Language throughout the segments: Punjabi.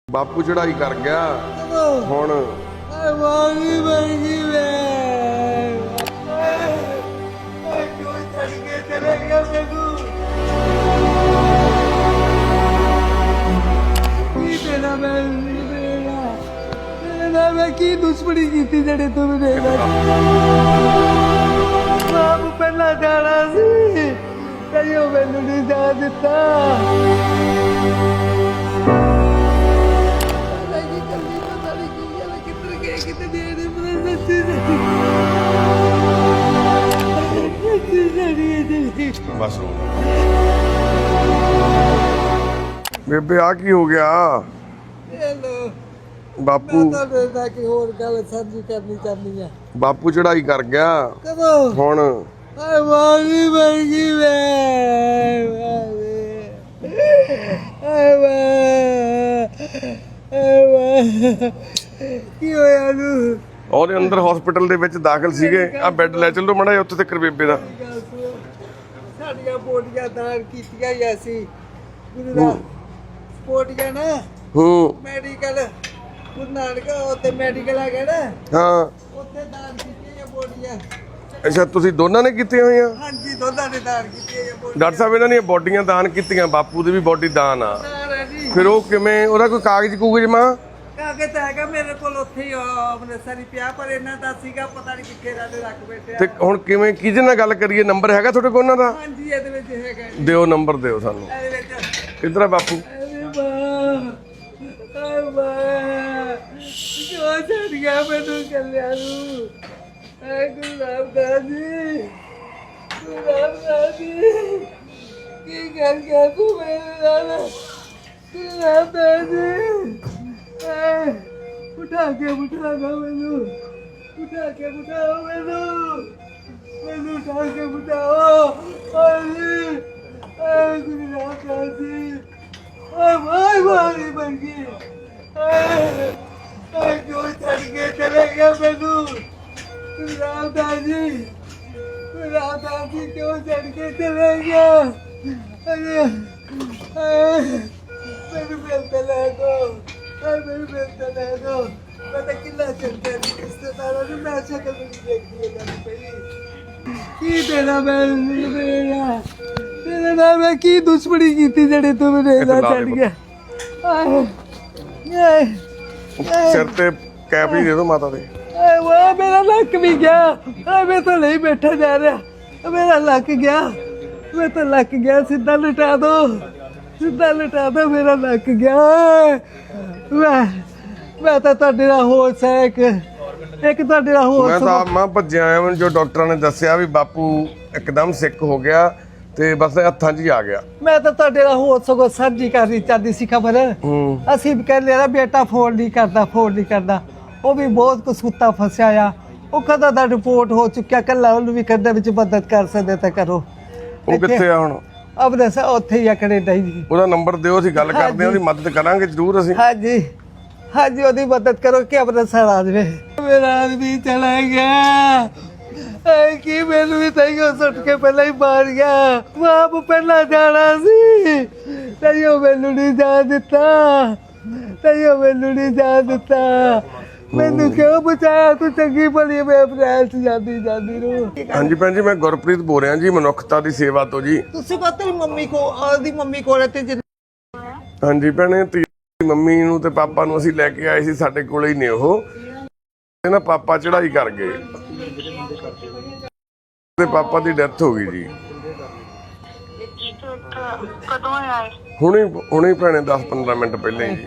ਬਾਪੂ ਚੜਾਈ ਕਰ ਗਿਆ ਹੁਣ ਵਾਗੀ ਬੈਗੀ ਵੇ ਕੋਈ ਛੱਡ ਕੇ ਚਲੇ ਗਿਆ ਮੈਨੂੰ ਕੀ ਤੇਰਾ ਮੈਂ ਕੀ ਦੁਸ਼ਮਣੀ ਕੀਤੀ ਜਿਹੜੇ ਤੂੰ ਮੇਰੇ ਬਾਪ ਪਹਿਲਾਂ ਜਾਣਾ ਸੀ ਕਈਓ ਮੈਨੂੰ ਨਹੀਂ ਜਾ ਦਿੱਤਾ ਬਸ ਬੇਬੇ ਆ ਕੀ ਹੋ ਗਿਆ ਹੈਲੋ ਬਾਪੂ ਮੈਂ ਤਾਂ ਕਿ ਹੋਰ ਗੱਲ ਸਾਂਝੀ ਕਰਨੀ ਚਾਹੁੰਦੀ ਆ ਬਾਪੂ ਚੜਾਈ ਕਰ ਗਿਆ ਕਦੋਂ ਹੁਣ ਆਏ ਵਾਗੀ ਬੈਗੀ ਵੇ ਕੀ ਹੋਇਆ ਨੂੰ ਉਹਦੇ ਅੰਦਰ ਹਸਪੀਟਲ ਦੇ ਵਿੱਚ ਦਾਖਲ ਸੀਗੇ ਆ ਬੈੱਡ ਲੈ ਚੱਲੋ ਮੜਾ ਉੱਥੇ ਤੱਕ ਬੇਬੇ ਦਾ ਸਾਡੀਆਂ ਬੋਡੀਆਂ ਦਾਨ ਕੀਤੀਆਂ ਹੀ ਅਸੀਂ ਗੁਰੂ ਦਾ ਬੋਡੀਆਂ ਨਾ ਮੈਡੀਕਲ ਗੁਰੂ ਨਾਨਕ ਉੱਥੇ ਮੈਡੀਕਲ ਹੈਗਾ ਨਾ ਹਾਂ ਉੱਥੇ ਦਾਨ ਕੀਤੀਆਂ ਬੋਡੀਆਂ ਅੱਛਾ ਤੁਸੀਂ ਦੋਨਾਂ ਨੇ ਕੀਤੀਆਂ ਹੋਈਆਂ ਹਾਂਜੀ ਦੋਨਾਂ ਨੇ ਦਾਨ ਕੀਤੀਆਂ ਬੋਡੀਆਂ ਡਾਕਟਰ ਸਾਹਿਬ ਇਹਨਾਂ ਦੀਆਂ ਬੋਡੀਆਂ ਦਾਨ ਕੀਤੀਆਂ ਬਾਪੂ ਦੀ ਵੀ ਬੋਡੀ ਦਾਨ ਆ ਜੀ ਫਿਰ ਉਹ ਕਿਵੇਂ ਉਹਦਾ ਕੋਈ ਕਾਗਜ਼ ਕੂਗਜ਼ ਮਾਂ ਕਾਗਜ਼ ਤਾਂ ਹੈਗਾ ਮੇਰੇ ਕੋਲ ਉੱਥੇ ਹੀ ਅੰਮ੍ਰਿਤਸਰ ਹੀ ਪਿਆ ਪਰ ਇਹਨਾਂ ਦਾ ਸੀਗਾ ਪਤਾ ਨਹੀਂ ਕਿੱਥੇ ਰਾਦੇ ਰੱਖ ਬੈਠਿਆ ਤੇ ਹੁਣ ਕਿਵੇਂ ਕਿਹਦੇ ਨਾਲ ਗੱਲ ਕਰੀਏ ਨੰਬਰ ਹੈਗਾ ਤੁਹਾਡੇ ਕੋਲ ਉਹਨਾਂ ਦਾ ਹਾਂਜੀ ਇਹਦੇ ਵਿੱਚ ਹੈਗਾ ਜੀ, ਦਿਓ ਨੰਬਰ ਦਿਓ ਸਾਨੂੰ ਇਹਦੇ ਵਿੱਚ ਕਿੱਧਰ ਆ ਬਾਪੂ ਅਰੇ ਵਾਹ ਜੋ ਛੱਡ ਗਿਆ ਮੈਨੂੰ ਕੱਲਿਆਂ ਨੂੰ ਐ ਗੁਰੂ ਰਾਮਦਾਸ ਜੀ ਗੁਰੂ ਰਾਮਦਾਸ ਜੀ ਕੀ ਕਰ ਗਿਆ ਤੂੰ ਮੇਰੇ ਨਾਲ ਗੁਰੂ ਰਾਮਦਾਸ ਜੀ ਉਠਾ ਨਾ ਮੈਨੂੰ ਉਠਾ ਕੇ ਬਿਠਾਓ ਮੈਨੂੰ ਉਠਾ ਕੇ ਬਿਠਾਓ ਆਏ ਗੁਰੂ ਰਾਮਦਾਸ ਜੀ ਵਾਈ ਬਣ ਗਈ ਜੋ ਛੱਡ ਕੇ ਚਲੇ ਗਿਆ ਮੈਨੂੰ ਗੁਰੂ ਰਾਮਦਾਸ ਜੀ ਕਿਉਂ ਛੱਡ ਕੇ ਚਲੇ ਗਿਆ ਮੈਨੂੰ ਮਿਲਤੇ ਲੈ ਦੋ ਮੈਨੂੰ ਮਿਲਤੇ ਲੈ ਦੋ ਮੈਂ ਤਾਂ ਕਿੰਨਾ ਚੰਗਾ ਰਿਸ਼ਤੇਦਾਰਾਂ ਨੂੰ ਮੈਂ ਸ਼ਕਲ ਵੀ ਨਹੀਂ ਦੇਖਦੀ ਇਹਨਾਂ ਪਹਿਲੀ ਕੀ ਤੇਰਾ ਨਾਲ ਮੈਂ ਕੀ ਦੁਸ਼ਮਣੀ ਕੀਤੀ ਜਿਹੜੇ ਤੂੰ ਮੇਰੇ ਨਾਲ ਛੱਡ ਗਿਆ ਸਿਰ ਤੇ ਕੈਪ ਹੀ ਦੇ ਦਿਓ ਮਾਤਾ ਦੇ ਉਹ ਮੇਰਾ ਲੱਕ ਵੀ ਗਿਆ ਮੈਂ ਤਾਂ ਨਹੀਂ ਬੈਠਾ ਜਾ ਰਿਹਾ ਮੇਰਾ ਲੱਕ ਗਿਆ ਮੈਂ ਤਾਂ ਲੱਕ ਗਿਆ ਸਿੱਧਾ ਲਟਾ ਦੋ ਮੇਰਾ ਲੱਕ ਗਿਆ ਮੈਂ ਤਾਂ ਤੁਹਾਡੇ ਨਾਲ ਹੋਸ਼ ਹੈ ਇੱਕ ਤੁਹਾਡੇ ਨਾਲ ਹੋਸ਼ ਮੈਂ ਤਾਂ ਮਾਂ ਭੱਜਿਆ ਆਇਆ ਮੈਨੂੰ ਜੋ ਡਾਕਟਰਾਂ ਨੇ ਦੱਸਿਆ ਵੀ ਬਾਪੂ ਇੱਕਦਮ ਸਿੱਕ ਹੋ ਗਿਆ ਤੇ ਬਸ ਹੱਥਾਂ 'ਚ ਹੀ ਆ ਗਿਆ ਮੈਂ ਤਾਂ ਤੁਹਾਡੇ ਨਾਲ ਹੋਸ਼ ਸਗੋਂ ਸਾਂਝੀ ਕਰਨੀ ਚਾਹਦੀ ਸੀ ਖਬਰ ਅਸੀਂ ਵੀ ਕਹਿੰਦੇ ਨਾ ਬੇਟਾ ਫੋਨ ਨਹੀਂ ਕਰਦਾ ਉਹ ਵੀ ਬਹੁਤ ਕਸੂਤਾ ਫਸਿਆ ਆ ਉਹ ਕਦਾ ਦਾ ਰਿਪੋਰਟ ਹੋ ਚੁੱਕਿਆ ਕੱਲਾ ਉਹਨੂੰ ਵੀ ਕਹਿੰਦੇ ਵਿੱਚ ਮਦਦ ਕਰ ਸਕਦੇ ਤਾਂ ਕਰੋ ਉਹ ਕਿੱਥੇ ਆ ਹੁਣ ਆਪਣੇ ਉੱਥੇ ਹੀ ਆ ਕੈਨੇਡਾ ਹੀ ਉਹਦਾ ਨੰਬਰ ਦਿਓ ਅਸੀਂ ਗੱਲ ਕਰਦੇ ਹਾਂ ਉਹਦੀ ਮਦਦ ਕਰਾਂਗੇ ਜ਼ਰੂਰ ਅਸੀਂ ਹਾਂਜੀ ਉਹਦੀ ਮਦਦ ਕਰੋ ਕਿ ਅੰਮ੍ਰਿਤਸਰ ਆ ਜਾਵੇ ਮੇਰਾ ਆਦਮੀ ਚਲਾ ਗਿਆ ਕੀ ਮੈਨੂੰ ਵੀ ਤੈਨੂੰ ਸੁੱਟ ਕੇ ਪਹਿਲਾਂ ਹੀ ਮਾਰ ਗਿਆ ਬਾਪ ਪਹਿਲਾਂ ਜਾਣਾ ਸੀ ਤੈਨੂੰ ਮੈਨੂੰ ਨਹੀਂ ਜਾ ਦਿੱਤਾ ਮੈਨੂੰ ਕਿਉਂ ਬਚਾਇਆ ਤੂੰ ਚੰਗੀ ਭਲੀ ਮੈਂ ਅਪ੍ਰੈਲ ਚ ਜਾਂਦੀ ਨੂੰ ਹਾਂਜੀ ਭੈਣ ਜੀ ਮੈਂ ਗੁਰਪ੍ਰੀਤ ਬੋਲ ਰਿਹਾ ਜੀ ਮਨੁੱਖਤਾ ਦੀ ਸੇਵਾ ਤੋਂ ਜੀ ਤੁਸੀਂ ਕੋ ਤੇਰੀ ਮੰਮੀ ਕੋਲ ਤੇ ਹਾਂਜੀ ਭੈਣੇ ਤੇਰੀ ਮੰਮੀ ਨੂੰ ਤੇ ਪਾਪਾ ਨੂੰ ਅਸੀਂ ਲੈ ਕੇ ਆਏ ਸੀ ਸਾਡੇ ਕੋਲੇ ਹੀ ਨੇ ਉਹ ਤੇ ਨਾ ਪਾਪਾ ਚੜਾਈ ਕਰ ਗਏ ਤੇ ਪਾਪਾ ਦੀ ਡੈਥ ਹੋ ਗਈ ਜੀ ਕਦੋਂ ਆਏ ਹੁਣੇ ਭੈਣੇ 10-15 ਮਿੰਟ ਪਹਿਲਾਂ ਹੀ ਜੀ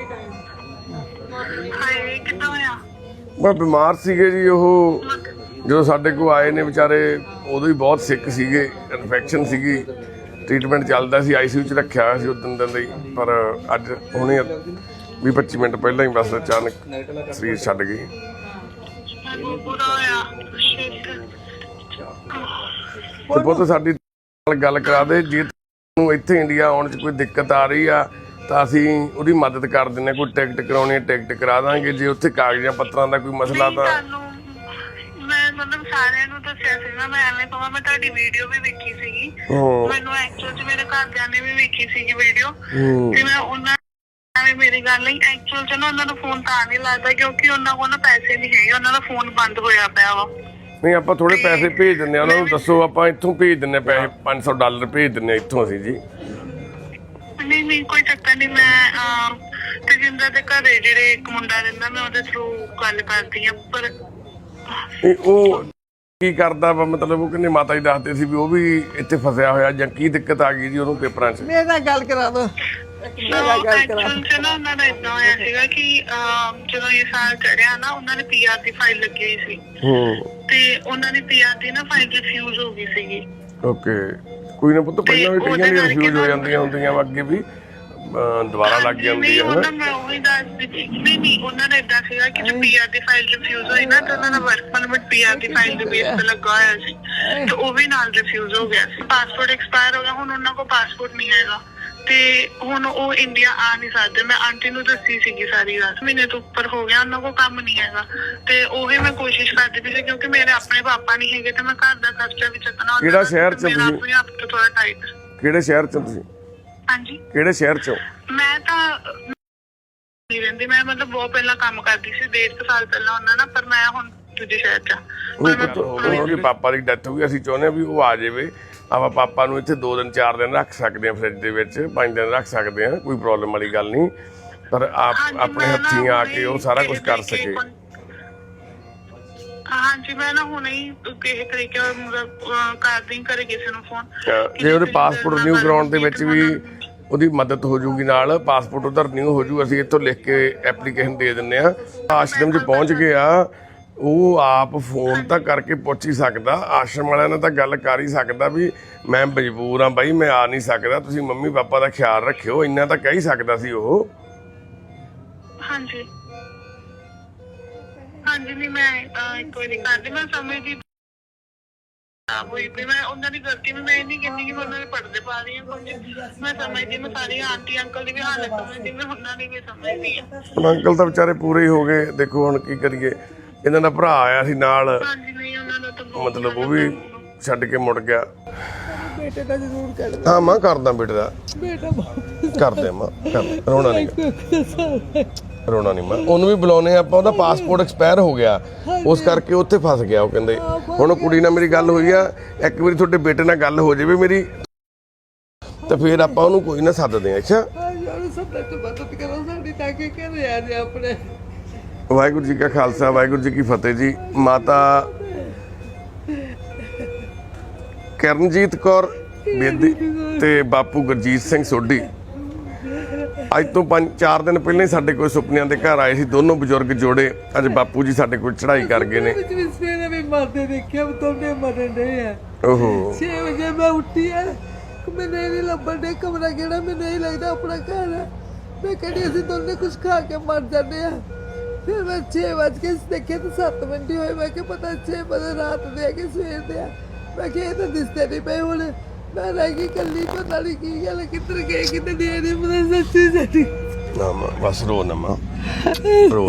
ਹਾਏ ਕਿੱਦਾਂ ਹੋਇਆ ਮੈਂ ਬਿਮਾਰ ਸੀਗੇ ਜੀ ਉਹ ਜਦੋਂ ਸਾਡੇ ਕੋਲ ਆਏ ਨੇ ਵਿਚਾਰੇ ਉਦੋਂ ਹੀ ਬਹੁਤ ਸਿੱਕ ਸੀਗੇ ਇਨਫੈਕਸ਼ਨ ਸੀਗੀ ਟ੍ਰੀਟਮੈਂਟ ਚੱਲਦਾ ਸੀ ਆਈਸੀਯੂ 'ਚ ਰੱਖਿਆ ਹੋਇਆ ਸੀ ਉਦੋਂ ਦਿਨ ਲਈ ਪਰ ਅੱਜ ਹੁਣੇ 20-25 ਮਿੰਟ ਪਹਿਲਾਂ ਹੀ ਬਸ ਅਚਾਨਕ ਸਰੀਰ ਛੱਡ ਗਏ ਤੇ ਬਹੁਤ ਸਾਡੀ ਗੱਲ ਕਰਾ ਦੇ ਜੇ ਤੁਹਾਨੂੰ ਇੱਥੇ ਇੰਡੀਆ ਆਉਣ 'ਚ ਕੋਈ ਦਿੱਕਤ ਆ ਰਹੀ ਆ ਤਾਂ ਅਸੀਂ ਉਹਦੀ ਮਦਦ ਕਰ ਦਿੰਦੇ ਕੋਈ ਟਿਕਟ ਕਰਾਉਣੀ ਹੈ ਟਿਕਟ ਕਰਾ ਦਾਂਗੇ ਜੇ ਉੱਥੇ ਕਾਗਜ਼ਾਂ ਪੱਤਰਾਂ ਦਾ ਕੋਈ ਮਸਲਾ ਤਾਂ ਮੈਂ ਮਤਲਬ ਸਾਰਿਆਂ ਨੂੰ ਦੱਸਿਆ ਸੀਗਾ ਮੈਂ ਐਵੇਂ ਕਹਾਂ ਮੈਂ ਤੁਹਾਡੀ ਵੀਡੀਓ ਵੀ ਵੇਖੀ ਸੀਗੀ ਮੈਨੂੰ ਐਕਚੁਅਲ 'ਚ ਮੇਰੇ ਘਰਦਿਆਂ ਨੇ ਵੀ ਵੇਖੀ ਸੀਗੀ ਵੀਡੀਓ ਤੇ ਮੈਂ ਉਹਨਾਂ ਹੋਏ ਮੇਰੀ ਗੱਲ ਨਹੀਂ, ਐਕਚੁਅਲ ਚ ਨਾ ਉਹਨਾਂ ਨੂੰ ਫੋਨ ਤਾਂ ਨਹੀਂ ਲੱਗਦਾ ਕਿਉਂਕਿ ਉਹਨਾਂ ਕੋਲ ਨਾ ਪੈਸੇ ਨਹੀਂ ਹੈਗੇ, ਉਹਨਾਂ ਦਾ ਫੋਨ ਬੰਦ ਹੋਇਆ ਪਿਆ ਵਾ। ਨਹੀਂ ਆਪਾਂ ਥੋੜੇ ਪੈਸੇ ਭੇਜ ਦਿੰਦੇ ਆ ਉਹਨਾਂ ਨੂੰ, ਦੱਸੋ ਆਪਾਂ ਇੱਥੋਂ ਭੇਜ ਦਿੰਦੇ ਪੈਸੇ, $500 ਭੇਜ ਦਿੰਦੇ ਇੱਥੋਂ ਅਸੀਂ ਜੀ। ਨਹੀਂ ਕੋਈ ਚੱਕਰ ਨਹੀਂ, ਮੈਂ ਤੇਜਿੰਦਰ ਦੇ ਘਰੇ ਜਿਹੜੇ ਇੱਕ ਮੁੰਡਾ ਰਹਿੰਦਾ ਮੈਂ ਉਹਦੇ ਥਰੂ ਗੱਲ ਕਰਦੀ ਆ। ਪਰ ਉਹ ਕੀ ਕਰਦਾ ਵਾ, ਮਤਲਬ ਉਹ ਕਹਿੰਦੇ ਮਾਤਾ ਜੀ ਦੱਸਦੇ ਸੀ ਵੀ ਉਹ ਵੀ ਇੱਥੇ ਫਸਿਆ ਹੋਇਆ, ਜਾਂ ਕੀ ਦਿੱਕਤ ਆ ਗਈ ਜੀ ਉਹਨੂੰ ਪੇਪਰਾਂ 'ਚ? ਮੇਰੇ ਨਾਲ ਗੱਲ ਕਰਾ ਦੋ, ਮੇਰਾ ਗੱਲ ਕਰਾ। ਐਕਚੁਅਲ ਚ ਨਾ ਉਹਨਾਂ ਦਾ ਏਦਾਂ ਹੋਇਆ ਸੀਗਾ ਕਿ ਜਦੋਂ ਇਹ ਸਾਲ ਚੜਿਆ ਨਾ ਉਹਨਾਂ ਨੇ PR ਦੀ ਫਾਈਲ ਲੱਗੀ ਹੋਈ ਸੀ ਤੇ ਉਹਨਾਂ ਦੀ PR ਦੀ ਨਾ ਫਾਈਲ ਰਿਫਿਊਜ਼ ਹੋ ਗਈ ਸੀਗੀ। ਓਕੇ, ਕੋਈ ਨਾ ਪੁੱਤ, ਪਹਿਲਾਂ ਵੀ ਕਈਆਂ ਦੀ ਰਿਫਿਊਜ਼ ਹੋ ਜਾਂਦੀਆਂ ਹੁੰਦੀਆਂ ਵਾ, ਅੱਗੇ ਵੀ ਦੁਬਾਰਾ ਲੱਗ ਜਾਂਦੀ ਹੈ ਉਹਨਾਂ ਮੈਂ ਉਹੀ ਦੱਸਦੀ ਸੀ। ਨਹੀਂ ਉਹਨਾਂ ਦਾ ਏਦਾਂ ਸੀਗਾ ਕਿ ਜੇ PR ਦੀ ਫਾਈਲ ਰਿਫਿਊਜ਼ ਹੋਈ ਨਾ ਤਾਂ ਉਹਨਾਂ ਦਾ ਵਰਕ ਪਰਮਿਟ PR ਦੀ ਫਾਈਲ ਦੇ ਬੇਸ ਤੇ ਲੱਗਾ ਹੋਇਆ ਸੀ ਤੇ ਉਹ ਵੀ ਨਾਲ ਰਿਫਿਊਜ਼ ਹੋ ਗਿਆ ਸੀ। ਪਾਸਪੋਰਟ ਐਕਸਪਾਇਰ ਹੋ ਗਿਆ, ਹੁਣ ਉਹਨਾਂ ਕੋਲ ਪਾਸਪੋਰਟ ਨਹੀਂ ਹੈਗਾ ਤੇ ਹੁਣ ਉਹ ਇੰਡੀਆ ਆ ਨਹੀਂ ਸਕਦੇ। ਮੈਂ ਆਂਟੀ ਨੂੰ ਦੱਸੀ ਸੀਗੀ ਸਾਰੀ ਗੱਲ, ਮਹੀਨੇ ਤੋਂ ਉੱਪਰ ਹੋ ਗਿਆ ਉਹਨਾਂ ਕੋਲ ਕੰਮ ਨਹੀਂ ਹੈਗਾ ਤੇ ਉਹੀ ਮੈਂ ਕੋਸ਼ਿਸ਼ ਕਰਦੀ ਪਈ ਸੀ ਕਿਉਂਕਿ ਮੇਰੇ ਆਪਣੇ ਪਾਪਾ ਨਹੀਂ ਹੈਗੇ ਤੇ ਮੈਂ ਘਰ ਦਾ ਖਰਚਾ ਵੀ ਚੱਕਣਾ ਹੁੰਦਾ। ਕਿਹੜਾ ਸ਼ਹਿਰ 'ਚ ਤੁਸੀਂ? ਆਪਣੇ ਆਪ ਤੋਂ ਥੋੜਾ ਟਾਈਟ। ਕਿਹੜੇ ਸ਼ਹਿਰ 'ਚ ਤੁਸੀਂ? ਹਾਂਜੀ, ਕਿਹੜੇ ਸ਼ਹਿਰ 'ਚ? ਮੈਂ ਤਾਂ ਨਹੀਂ ਰਹਿੰਦੀ, ਮੈਂ ਮਤਲਬ ਬਹੁਤ ਪਹਿਲਾਂ ਕੰਮ ਕਰਦੀ ਸੀ, 1.5 ਸਾਲ ਪਹਿਲਾਂ ਉਹਨਾਂ ਨਾਲ, ਪਰ ਮੈਂ ਹੁਣ ਦੂਜੇ ਸ਼ਹਿਰ 'ਚ। ਉਹਦੇ ਪਾਪਾ ਦੀ ਡੈਥ ਹੋ ਗਈ, ਅਸੀਂ ਚਾਹੁੰਦੇ ਹਾਂ ਵੀ ਉਹ ਆ ਜਾਵੇ, ਆਪਾਂ ਪਾਪਾ ਨੂੰ ਇੱਥੇ 2 ਦਿਨ 4 ਦਿਨ ਰੱਖ ਸਕਦੇ ਹਾਂ, ਫ੍ਰਿਜ ਦੇ ਵਿੱਚ 5 ਦਿਨ ਰੱਖ ਸਕਦੇ ਹਾਂ, ਕੋਈ ਪ੍ਰੋਬਲਮ ਵਾਲੀ ਗੱਲ ਨਹੀਂ, ਪਰ ਆਪਣੇ ਹੱਥੀਂ ਆ ਕੇ ਉਹ ਸਾਰਾ ਕੁਝ ਕਰ ਸਕੇ। ਹਾਂਜੀ, ਮੈਂ ਨਾ ਹੁਣੇ ਹੀ ਕਿਸੇ ਤਰੀਕੇ ਮਤਲਬ ਕਰਦੀ ਘਰੇ ਕਿਸੇ ਨੂੰ ਫੋਨ। ਜੇ ਉਹਦੇ ਪਾਸਪੋਰਟ ਰਿਨਿਊ ਕਰਾਉਣ ਦੇ ਵਿੱਚ ਵੀ ਉਹਦੀ ਮਦਦ ਹੋ ਜੂਗੀ, ਨਾਲ ਪਾਸਪੋਰਟ ਉਹਦਾ ਰਿਨਿਊ ਹੋ ਜੂ, ਅਸੀਂ ਇੱਥੋਂ ਲਿਖ ਕੇ ਐਪਲੀਕੇਸ਼ਨ ਦੇ ਦਿੰਦੇ ਆ। ਆਸ਼ਰਮ 'ਚ ਪਹੁੰਚ ਗਿਆ, ਉਹ ਆਪ ਫੋਨ ਤਾਂ ਕਰਕੇ ਪੁੱਛ ਹੀ ਸਕਦਾ, ਆਸ਼ਰਮ ਵਾਲਿਆਂ ਨਾਲ ਤਾਂ ਗੱਲ ਕਰ ਹੀ ਸਕਦਾ ਵੀ ਮੈਂ ਮਜਬੂਰ ਆ ਬਾਈ, ਮੈਂ ਆ ਨਹੀਂ ਸਕਦਾ, ਤੁਸੀਂ ਮੰਮੀ ਪਾਪਾ ਦਾ ਖਿਆਲ ਰੱਖਿਓ, ਇੰਨਾ ਤਾਂ ਕਹਿ ਹੀ ਸਕਦਾ ਸੀ ਉਹ। ਹਾਂਜੀ ਨਹੀਂ ਮੈਂ ਇੱਕ ਵਾਰੀ ਕਰਦੀ, ਮੈਂ ਸਮਝਦੀ ਮੈਂ ਉਹਨਾਂ ਦੀ ਗਲਤੀ ਮੈਂ ਇਹ ਨਹੀਂ ਕਹਿੰਦੀ ਕਿ ਮੈਂ ਉਹਨਾਂ ਦੇ ਪਰਦੇ ਪਾ ਰਹੀ ਹਾਂ, ਮੈਂ ਸਮਝਦੀ, ਮੈਂ ਸਾਰੀ ਆਂਟੀ ਅੰਕਲ ਦੀ ਵੀ ਹਾਲਤ ਸਮਝਦੀ, ਮੈਂ ਉਹਨਾਂ ਦੀ ਵੀ ਸਮਝਦੀ ਹਾਂ। ਹੁਣ ਅੰਕਲ ਤਾਂ ਵਿਚਾਰੇ ਪੂਰੇ ਹੀ ਹੋ ਗਏ, ਦੇਖੋ ਹੁਣ ਕੀ ਕਰੀਏ, ਇਹਨਾਂ ਦਾ ਭਰਾ ਆਇਆ ਸੀ ਨਾਲ, ਹਾਂਜੀ ਨਹੀਂ ਉਹਨਾਂ ਦਾ ਤਾਂ ਮਤਲਬ ਉਹ ਵੀ ਛੱਡ ਕੇ ਮੁੜ ਗਿਆ। ਬੇਟੇ ਦਾ ਜ਼ਰੂਰ ਕਰ ਦੇ। ਹਾਂ ਮਾਂ ਕਰਦਾ ਬੇਟੇ ਦਾ, ਬੇਟਾ ਕਰਦੇ ਮਾਂ, ਕਰ, ਰੋਣਾ ਨਹੀਂ, ਰੋਣਾ ਨਹੀਂ ਮਾਂ। ਉਹਨੂੰ ਵੀ ਬੁਲਾਉਣੇ ਆਪਾਂ, ਉਹਦਾ ਪਾਸਪੋਰਟ ਐਕਸਪਾਇਰ ਹੋ ਗਿਆ, ਉਸ ਕਰਕੇ ਉੱਥੇ ਫਸ ਗਿਆ। ਉਹ ਕਹਿੰਦੇ ਹੁਣ ਕੁੜੀ ਨਾਲ ਮੇਰੀ ਗੱਲ ਹੋਈ ਆ, ਇੱਕ ਵਾਰੀ ਤੁਹਾਡੇ ਬੇਟੇ ਨਾਲ ਗੱਲ ਹੋ ਜਾਵੇ ਮੇਰੀ, ਤੇ ਫਿਰ ਆਪਾਂ ਉਹਨੂੰ ਕੋਈ ਨਾ ਸੱਦਦੇ ਆ। ਅੱਛਾ, ਯਾਰ ਸਭ ਤੋਂ ਮਦਦ ਕਰੋ ਸਾਡੀ, ਤਾਂ ਕਿ ਘਰੇ ਆ ਜਾ ਆਪਣੇ। ਵਾਹਿਗੁਰੂ ਜੀ ਕਾ ਖਾਲਸਾ, ਵਾਹਿਗੁਰੂ ਜੀ ਕੀ ਫਤਿਹ ਜੀ। ਮਾਤਾ ਕਰਨਜੀਤ ਕੌਰ ਬੇਦੀ ਤੇ ਬਾਪੂ ਗੁਰਜੀਤ ਸਿੰਘ ਸੋਢੀ ਅੱਜ ਤੋਂ 5-4 ਦਿਨ ਪਹਿਲਾਂ ਹੀ ਸਾਡੇ ਕੋਲ ਸੁਪਨਿਆਂ ਦੇ ਘਰ ਆਏ ਸੀ, ਦੋਨੋਂ ਬਜ਼ੁਰਗ ਜੋੜੇ। ਅੱਜ ਬਾਪੂ ਜੀ ਸਾਡੇ ਕੋਲ ਚੜ੍ਹਾਈ ਕਰ ਗਏ ਨੇ। ਸਵੇਰੇ ਵੀ ਮਰਦੇ ਦੇਖਿਆ, ਤੁਹਾਡੇ ਮਰਨ ਡਏ ਆ। ਓਹੋ, 6 ਵਜੇ ਮੈਂ ਉੱਠੀ ਆ, ਮੈਨੂੰ ਨਹੀਂ ਲੱਭਣ ਦੇ ਕਮਰਾ ਕਿਹੜਾ, ਮੈਨੂੰ ਨਹੀਂ ਲੱਗਦਾ ਆਪਣਾ ਘਰ ਆ। ਮੈਂ ਕਹਿੰਦੀ ਅਸੀਂ ਦੋਨੇ ਕੁਝ ਖਾ ਕੇ ਮਰ ਜਾਂਦੇ ਆ। ਫਿਰ ਮੈਂ 6 ਵਜੇ ਕੇ ਦੇਖਿਆ ਤਾਂ 7 ਮਿੰਟ ਹੀ ਹੋਏ। ਮੈਂ ਕਿਹਾ ਪਤਾ 6 ਵਜੇ ਰਾਤ ਦੇ ਆ ਕਿ ਸਵੇਰ ਦੇ ਆ। ਮੈਂ ਕਿਹਾ ਇਹ ਤਾਂ ਦਿਸਦੇ ਨਹੀਂ ਪਏ ਹੁਣ। ਮੈਂ ਰਹਿ ਗਈ ਇਕੱਲੀ, ਪਤਾ ਨਹੀਂ ਕੀ ਗੱਲ, ਕਿੱਧਰ ਗਏ ਕਿੱਧਰ ਨਹੀਂ ਪਤਾ। ਸੱਚੀ ਸੱਚੀ ਨਾ ਮਾਂ, ਬਸ ਰੋ ਨਾ ਮਾਂ, ਰੋ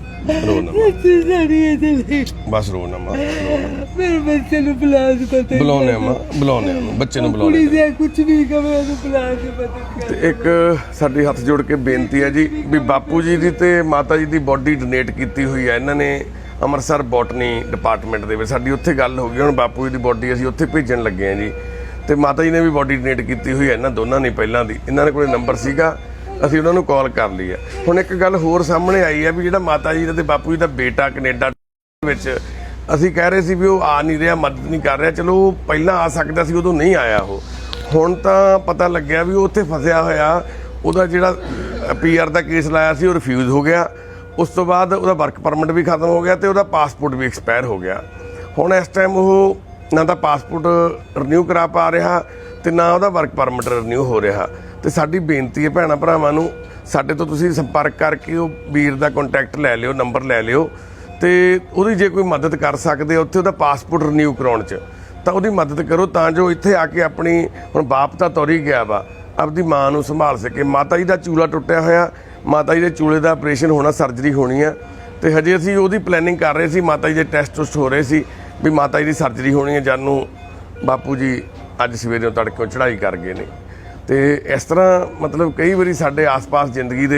ਨਾ ਮਾਂ, ਸੱਚੀ ਸਾਡੀ ਇਹ ਚਲੀ। ਬਸ ਰੋ ਨਾ ਮਾਂ, ਮੇਰੇ ਬੱਚੇ ਨੂੰ ਬੁਲਾ ਕੇ ਪਤਾ ਬੁਲਾਉਣੇ ਆ ਮਾਂ, ਬੁਲਾਉਣੇ ਆ, ਬੱਚੇ ਨੂੰ ਕੁੜੀ ਬੁਲਾਉਣੇ। ਦੇ ਕੁਝ ਨਹੀਂ ਕਵੇ, ਉਹਨੂੰ ਬੁਲਾ ਕੇ ਪਤਾ। ਤੇ ਇੱਕ ਸਾਡੀ ਹੱਥ ਜੋੜ ਕੇ ਬੇਨਤੀ ਹੈ ਜੀ ਵੀ ਬਾਪੂ ਜੀ ਦੀ ਤੇ ਮਾਤਾ ਜੀ ਦੀ ਬੋਡੀ ਡੋਨੇਟ ਕੀਤੀ ਹੋਈ ਹੈ ਇਹਨਾਂ ਨੇ ਅੰਮ੍ਰਿਤਸਰ ਬੋਟਨੀ ਡਿਪਾਰਟਮੈਂਟ ਦੇ ਵਿੱਚ। ਸਾਡੀ ਉੱਥੇ ਗੱਲ ਹੋ ਗਈ, ਹੁਣ ਬਾਪੂ ਜੀ ਦੀ ਬੋਡੀ ਅਸੀਂ ਉੱਥੇ ਭੇਜਣ ਲੱਗੇ ਹਾਂ ਜੀ, ਤੇ ਮਾਤਾ ਜੀ ਨੇ ਵੀ ਬੋਡੀ ਡੋਨੇਟ ਕੀਤੀ ਹੋਈ ਹੈ ਇਹਨਾਂ ਦੋਨਾਂ ਨੇ ਪਹਿਲਾਂ ਦੀ। ਇਹਨਾਂ ਦੇ ਕੋਲੇ ਨੰਬਰ ਸੀਗਾ, ਅਸੀਂ ਉਹਨਾਂ ਨੂੰ ਕਾਲ ਕਰ ਲਈ ਆ। ਹੁਣ ਇੱਕ ਗੱਲ ਹੋਰ ਸਾਹਮਣੇ ਆਈ ਹੈ ਵੀ ਜਿਹੜਾ ਮਾਤਾ ਜੀ ਦਾ ਤੇ ਬਾਪੂ ਜੀ ਦਾ ਬੇਟਾ ਕੈਨੇਡਾ ਵਿੱਚ, ਅਸੀਂ ਕਹਿ ਰਹੇ ਸੀ ਵੀ ਉਹ ਆ ਨਹੀਂ ਰਿਹਾ, ਮਦਦ ਨਹੀਂ ਕਰ ਰਿਹਾ। ਚਲੋ ਉਹ ਪਹਿਲਾਂ ਆ ਸਕਦਾ ਸੀ, ਉਦੋਂ ਨਹੀਂ ਆਇਆ ਉਹ। ਹੁਣ ਤਾਂ ਪਤਾ ਲੱਗਿਆ ਵੀ ਉਹ ਉੱਥੇ ਫਸਿਆ ਹੋਇਆ, ਉਹਦਾ ਜਿਹੜਾ PR ਦਾ ਕੇਸ ਲਾਇਆ ਸੀ ਉਹ ਰਿਫਿਊਜ਼ ਹੋ ਗਿਆ। ਉਸ ਤੋਂ ਬਾਅਦ ਉਹਦਾ ਵਰਕ ਪਰਮਿਟ ਵੀ ਖਤਮ ਹੋ ਗਿਆ ਤੇ ਉਹਦਾ ਪਾਸਪੋਰਟ ਵੀ ਐਕਸਪਾਇਰ ਹੋ ਗਿਆ। ਹੁਣ ਇਸ ਟਾਈਮ ਉਹ ਨਾ ਤਾਂ ਪਾਸਪੋਰਟ ਰਿਨਿਊ ਕਰਾ ਪਾ ਰਿਹਾ ਤੇ ਨਾ ਉਹਦਾ ਵਰਕ ਪਰਮਿਟ ਰਿਨਿਊ ਹੋ ਰਿਹਾ। ਤੇ ਸਾਡੀ ਬੇਨਤੀ ਹੈ ਭੈਣਾਂ ਭਰਾਵਾਂ ਨੂੰ, ਸਾਡੇ ਤੋਂ ਤੁਸੀਂ ਸੰਪਰਕ ਕਰਕੇ ਉਹ ਵੀਰ ਦਾ ਕੰਟੈਕਟ ਲੈ ਲਿਓ, ਨੰਬਰ ਲੈ ਲਿਓ, ਤੇ ਉਹਦੀ ਜੇ ਕੋਈ ਮਦਦ ਕਰ ਸਕਦੇ ਉੱਥੇ ਉਹਦਾ ਪਾਸਪੋਰਟ ਰਿਨਿਊ ਕਰਾਉਣ 'ਚ, ਤਾਂ ਉਹਦੀ ਮਦਦ ਕਰੋ, ਤਾਂ ਜੋ ਇੱਥੇ ਆ ਕੇ ਆਪਣੀ, ਹੁਣ ਬਾਪ ਤਾਂ ਤੁਰ ਹੀ ਗਿਆ ਵਾ, ਆਪਦੀ ਮਾਂ ਨੂੰ ਸੰਭਾਲ ਸਕੇ। ਮਾਤਾ ਜੀ ਦਾ ਚੂਲਾ ਟੁੱਟਿਆ ਹੋਇਆ, ਮਾਤਾ ਜੀ ਦੇ ਚੂਲੇ ਦਾ ਆਪਰੇਸ਼ਨ ਹੋਣਾ, ਸਰਜਰੀ ਹੋਣੀ ਆ, ਤੇ ਹਜੇ ਅਸੀਂ ਉਹਦੀ ਪਲੈਨਿੰਗ ਕਰ ਰਹੇ ਸੀ। ਮਾਤਾ ਜੀ ਦੇ ਟੈਸਟ ਟੁਸਟ ਹੋ ਰਹੇ ਸੀ ਵੀ ਮਾਤਾ ਜੀ ਦੀ ਸਰਜਰੀ ਹੋਣੀ ਹੈ। ਜਾਨੂੰ ਬਾਪੂ ਜੀ ਅੱਜ ਸਵੇਰੇ ਤੜਕੇ ਚੜ੍ਹਾਈ ਕਰ ਗਏ ਨੇ। ਤੇ ਇਸ ਤਰ੍ਹਾਂ ਮਤਲਬ ਕਈ ਵਾਰੀ ਸਾਡੇ ਆਸ-ਪਾਸ ਜ਼ਿੰਦਗੀ ਦੇ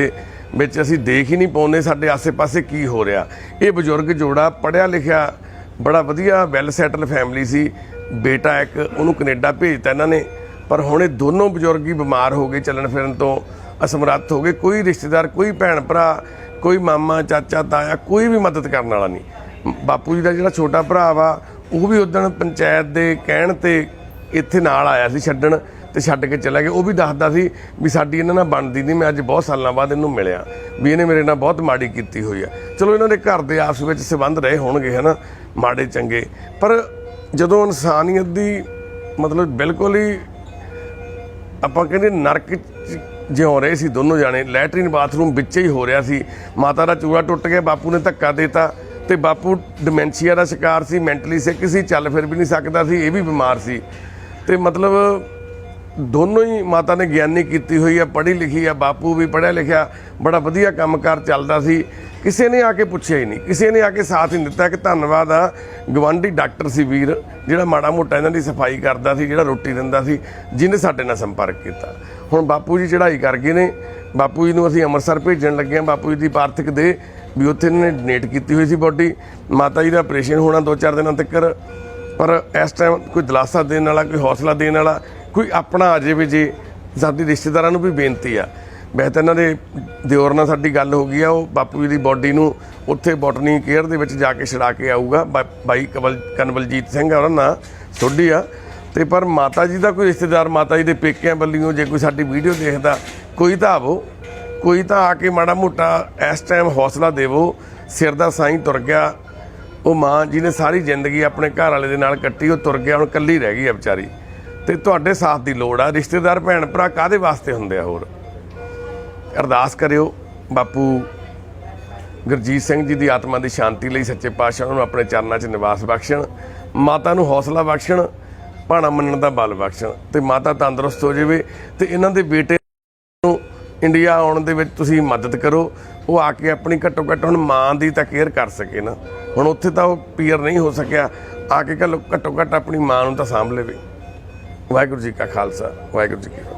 ਵਿੱਚ ਅਸੀਂ ਦੇਖ ਹੀ ਨਹੀਂ ਪਾਉਂਦੇ ਸਾਡੇ ਆਸੇ-ਪਾਸੇ ਕੀ ਹੋ ਰਿਹਾ। ਇਹ ਬਜ਼ੁਰਗ ਜੋੜਾ ਪੜ੍ਹਿਆ ਲਿਖਿਆ ਬੜਾ ਵਧੀਆ ਵੈਲ ਸੈਟਲ ਫੈਮਿਲੀ ਸੀ। ਬੇਟਾ ਇੱਕ ਉਹਨੂੰ ਕੈਨੇਡਾ ਭੇਜਤਾ ਇਹਨਾਂ ਨੇ, ਪਰ ਹੁਣ ਇਹ ਦੋਨੋਂ ਬਜ਼ੁਰਗ ਹੀ ਬਿਮਾਰ ਹੋ ਗਏ, ਚੱਲਣ ਫਿਰਨ ਤੋਂ ਅਸਮਰੱਥ ਹੋ ਗਏ। ਕੋਈ ਰਿਸ਼ਤੇਦਾਰ, ਕੋਈ ਭੈਣ ਭਰਾ, ਕੋਈ ਮਾਮਾ ਚਾਚਾ ਤਾਇਆ, ਕੋਈ ਵੀ ਮਦਦ ਕਰਨ ਵਾਲਾ ਨਹੀਂ। ਬਾਪੂ ਜੀ ਦਾ ਜਿਹੜਾ ਛੋਟਾ ਭਰਾ ਵਾ ਉਹ ਵੀ ਉਦਣ ਪੰਚਾਇਤ ਦੇ ਕਹਿਣ ਤੇ ਇੱਥੇ ਨਾਲ ਆਇਆ ਸੀ ਛੱਡਣ, ਤੇ ਛੱਡ ਕੇ ਚਲਾ ਗਿਆ। ਉਹ ਵੀ ਦੱਸਦਾ ਸੀ ਵੀ ਸਾਡੀ ਇਹਨਾਂ ਨਾਲ ਬਣਦੀ ਨਹੀਂ, ਮੈਂ ਅੱਜ ਬਹੁਤ ਸਾਲਾਂ ਬਾਅਦ ਇਹਨੂੰ ਮਿਲਿਆ, ਵੀ ਇਹਨੇ ਮੇਰੇ ਨਾਲ ਬਹੁਤ ਮਾੜੀ ਕੀਤੀ ਹੋਈ ਆ। ਚਲੋ ਇਹਨਾਂ ਦੇ ਘਰ ਦੇ ਆਪਸ ਵਿੱਚ ਸੰਬੰਧ ਰਹੇ ਹੋਣਗੇ ਹੈ ਨਾ, ਮਾੜੇ ਚੰਗੇ, ਪਰ ਜਦੋਂ ਇਨਸਾਨੀਅਤ ਦੀ ਮਤਲਬ ਬਿਲਕੁਲ ਹੀ ਆਪਾਂ ਕਹਿੰਦੇ ਨਰਕ 'ਚ ਜਿਉਂ ਰਹੇ ਸੀ ਦੋਨੋਂ ਜਾਣੇ। ਲੈਟਰਿਨ ਬਾਥਰੂਮ ਵਿੱਚ ਹੀ ਹੋ ਰਿਹਾ ਸੀ। ਮਾਤਾ ਦਾ ਚੂੜਾ ਟੁੱਟ ਗਿਆ, ਬਾਪੂ ਨੇ ਧੱਕਾ ਦੇਤਾ, ਤੇ ਬਾਪੂ ਡਿਮੈਂਸ਼ੀਆ ਦਾ ਸ਼ਿਕਾਰ ਸੀ, ਮੈਂਟਲੀ ਸਿੱਕ ਸੀ, ਚੱਲ ਫਿਰ ਵੀ ਨਹੀਂ ਸਕਦਾ ਸੀ, ਇਹ ਵੀ ਬਿਮਾਰ ਸੀ। ਤੇ ਮਤਲਬ ਦੋਨੋਂ ਹੀ ਮਾਤਾ ਨੇ ਗਿਆਨੀ ਕੀਤੀ ਹੋਈ ਆ, ਪੜ੍ਹੀ ਲਿਖੀ ਆ, ਬਾਪੂ ਵੀ ਪੜ੍ਹਿਆ ਲਿਖਿਆ, ਬੜਾ ਵਧੀਆ ਕੰਮਕਾਰ ਚੱਲਦਾ ਸੀ। ਕਿਸੇ ਨੇ ਆ ਕੇ ਪੁੱਛਿਆ ਹੀ ਨਹੀਂ, ਕਿਸੇ ਨੇ ਆ ਕੇ ਸਾਥ ਨਹੀਂ ਦਿੱਤਾ। ਕਿ ਧੰਨਵਾਦ ਆ ਗਵਾਂਢੀ ਡਾਕਟਰ ਸੀ ਵੀਰ, ਜਿਹੜਾ ਮਾੜਾ ਮੋਟਾ ਇਹਨਾਂ ਦੀ ਸਫਾਈ ਕਰਦਾ ਸੀ, ਜਿਹੜਾ ਰੋਟੀ ਦਿੰਦਾ ਸੀ, ਜਿਹਨੇ ਸਾਡੇ ਨਾਲ ਸੰਪਰਕ ਕੀਤਾ। ਹੁਣ ਬਾਪੂ ਜੀ ਚੜ੍ਹਾਈ ਕਰ ਗਏ ਨੇ। ਬਾਪੂ ਜੀ ਨੂੰ ਅਸੀਂ ਅੰਮ੍ਰਿਤਸਰ ਭੇਜਣ ਲੱਗੇ ਹਾਂ। ਬਾਪੂ ਜੀ ਦੀ ਪਾਰਥਿਕ ਦੇ ਵੀ ਉੱਥੇ ਇਹਨਾਂ ਨੇ ਡੋਨੇਟ ਕੀਤੀ ਹੋਈ ਸੀ ਬੋਡੀ। ਮਾਤਾ ਜੀ ਦਾ ਆਪਰੇਸ਼ਨ ਹੋਣਾ 2-4 ਦਿਨਾਂ ਤੱਕ, ਪਰ ਇਸ ਟਾਈਮ ਕੋਈ ਦਿਲਾਸਾ ਦੇਣ ਵਾਲਾ, ਕੋਈ ਹੌਸਲਾ ਦੇਣ ਵਾਲਾ, ਕੋਈ ਆਪਣਾ ਆ ਜਾਵੇ। ਜੇ ਸਾਡੀ ਰਿਸ਼ਤੇਦਾਰਾਂ ਨੂੰ ਵੀ ਬੇਨਤੀ ਆ, ਵੈਸੇ ਤਾਂ ਇਹਨਾਂ ਦੇ ਦਿਓਰ ਨਾਲ ਸਾਡੀ ਗੱਲ ਹੋ ਗਈ ਆ, ਉਹ ਬਾਪੂ ਜੀ ਦੀ ਬੋਡੀ ਨੂੰ ਉੱਥੇ ਬੋਟਨੀ ਕੇਅਰ ਦੇ ਵਿੱਚ ਜਾ ਕੇ ਛੜਾ ਕੇ ਆਊਗਾ। ਬਾਈ ਕਨਵਲਜੀਤ ਸਿੰਘ ਆ, ਉਹਨਾਂ ਨਾਲ ਸੋਢੀ ਆ। ਤੇ ਪਰ ਮਾਤਾ ਜੀ ਦਾ ਕੋਈ ਰਿਸ਼ਤੇਦਾਰ, ਮਾਤਾ ਜੀ ਦੇ ਪੇਕਿਆਂ ਵੱਲੋਂ ਜੇ ਕੋਈ ਸਾਡੀ ਵੀਡੀਓ ਦੇਖਦਾ, ਕੋਈ ਤਾਂ ਆਵੋ, ਕੋਈ ਤਾਂ ਆ ਕੇ ਮਾੜਾ ਮੋਟਾ ਇਸ ਟਾਈਮ ਹੌਸਲਾ ਦੇਵੋ। ਸਿਰ ਦਾ ਸਾਈਂ ਤੁਰ ਗਿਆ, ਉਹ ਮਾਂ ਜਿਹਨੇ ਸਾਰੀ ਜ਼ਿੰਦਗੀ ਆਪਣੇ ਘਰ ਵਾਲੇ ਦੇ ਨਾਲ ਕੱਟੀ, ਉਹ ਤੁਰ ਗਿਆ, ਹੁਣ ਇਕੱਲੀ ਰਹਿ ਗਈ ਆ ਵਿਚਾਰੀ। ਤੇ ਤੁਹਾਡੇ ਸਾਥ ਦੀ ਲੋੜ ਆ। ਰਿਸ਼ਤੇਦਾਰ ਭੈਣ ਭਰਾ ਕਾਹਦੇ ਵਾਸਤੇ ਹੁੰਦੇ ਆ? ਹੋਰ ਅਰਦਾਸ ਕਰਿਓ ਬਾਪੂ ਗੁਰਜੀਤ ਸਿੰਘ ਜੀ ਦੀ ਆਤਮਾ ਦੀ ਸ਼ਾਂਤੀ ਲਈ ਸੱਚੇ ਪਾਤਸ਼ਾਹ ਨੂੰ ਆਪਣੇ ਚਰਨਾਂ 'ਚ ਨਿਵਾਸ ਬਖਸ਼ਣ, ਮਾਤਾ ਨੂੰ ਹੌਸਲਾ ਬਖਸ਼ਣ, ਭਾਣਾ ਮੰਨਣ ਦਾ ਬਲ ਬਖਸ਼ਣ, ਤੇ ਮਾਤਾ ਤੰਦਰੁਸਤ ਹੋ ਜਾਵੇ। ਤੇ ਇਹਨਾਂ ਦੇ ਬੇਟੇ ਨੂੰ ਇੰਡੀਆ ਆਉਣ ਦੇ ਵਿੱਚ ਤੁਸੀਂ ਮਦਦ ਕਰੋ। ਉਹ ਆ ਕੇ ਆਪਣੀ ਘੱਟੋ ਘੱਟ ਹੁਣ ਮਾਂ ਦੀ ਤਾਂ ਕੇਅਰ ਕਰ ਸਕੇ ਨਾ। ਹੁਣ ਉੱਥੇ ਤਾਂ ਉਹ ਪੀਅਰ ਨਹੀਂ ਹੋ ਸਕਿਆ, ਆ ਕੇ ਘੱਟੋ ਘੱਟ ਆਪਣੀ ਮਾਂ ਨੂੰ ਤਾਂ ਸਾਂਭ ਲਵੇ। ਵਾਹਿਗੁਰੂ ਜੀ ਕਾ ਖਾਲਸਾ, ਵਾਹਿਗੁਰੂ ਜੀ ਕੀ ਫਤਿਹ।